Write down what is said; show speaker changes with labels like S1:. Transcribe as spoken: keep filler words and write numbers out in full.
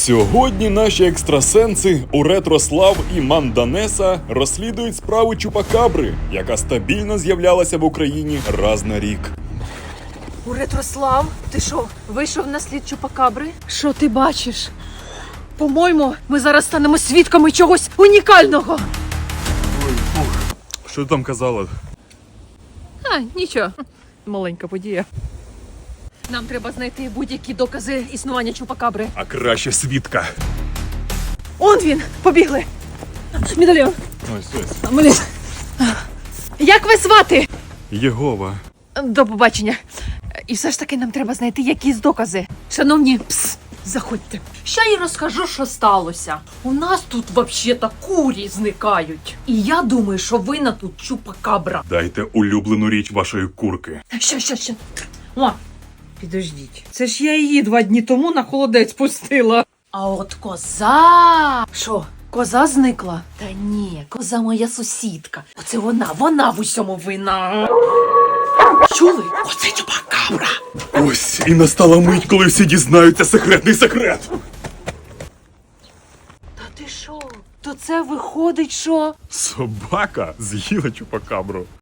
S1: Сьогодні наші екстрасенси Уретрослав і Манданеса розслідують справу Чупакабри, яка стабільно з'являлася в Україні раз на рік.
S2: Уретрослав, ти що, вийшов на слід Чупакабри? Що ти бачиш? По-моєму, ми зараз станемо свідками чогось унікального.
S1: Ой, фух. Що ти там казала?
S2: А, нічого. Маленька подія. Нам треба знайти будь-які докази існування Чупакабри.
S1: А краще свідка.
S2: Он він! Побігли! Медальйон!
S1: Ось, ось.
S2: Блін. Як ви звати?
S1: Єгова.
S2: До побачення. І все ж таки нам треба знайти якісь докази. Шановні, пс, заходьте. Ще й розкажу, що сталося. У нас тут взагалі-то курі зникають. І я думаю, що винна тут Чупакабра.
S1: Дайте улюблену річ вашої курки.
S2: Що, що, що? О, підождіть. Це ж я її два дні тому на холодець пустила. А от коза. Що, коза зникла? Та ні, коза моя сусідка. Оце вона, вона в усьому винна. Чули? Оце Чупакабра.
S1: Ось і настала мить, коли всі дізнаються секретний секрет.
S2: Та ти що? То це виходить, що?
S1: Собака з'їла Чупакабру.